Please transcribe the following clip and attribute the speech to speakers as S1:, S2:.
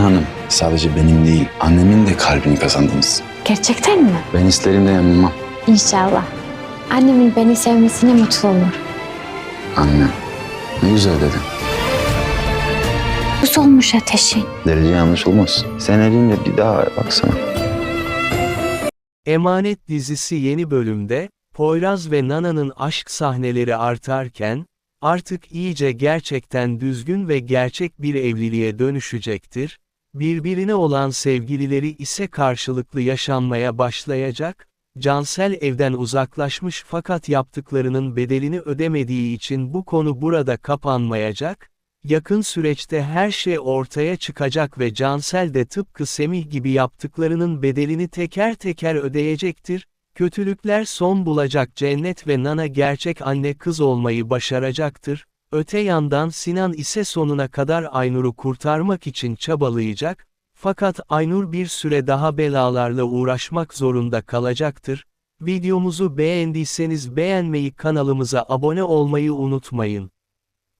S1: Hanım, sadece benim değil, annemin de kalbini kazandınız.
S2: Gerçekten mi?
S1: Ben isterim de yanılmam.
S2: İnşallah. Annemin beni sevmesine mutlu olur.
S1: Annem, ne güzel dedin.
S2: Bu solmuş ateşin.
S1: Derece yanlış olmaz. Sen elinle bir daha baksana.
S3: Emanet dizisi yeni bölümde, Poyraz ve Nana'nın aşk sahneleri artarken, artık iyice gerçekten düzgün ve gerçek bir evliliğe dönüşecektir, birbirine olan sevgilileri ise karşılıklı yaşanmaya başlayacak, Cansel evden uzaklaşmış fakat yaptıklarının bedelini ödemediği için bu konu burada kapanmayacak, yakın süreçte her şey ortaya çıkacak ve Cansel de tıpkı Semih gibi yaptıklarının bedelini teker teker ödeyecektir, kötülükler son bulacak Cennet ve Nana gerçek anne kız olmayı başaracaktır, öte yandan Sinan ise sonuna kadar Aynur'u kurtarmak için çabalayacak, fakat Aynur bir süre daha belalarla uğraşmak zorunda kalacaktır. Videomuzu beğendiyseniz beğenmeyi, kanalımıza abone olmayı unutmayın.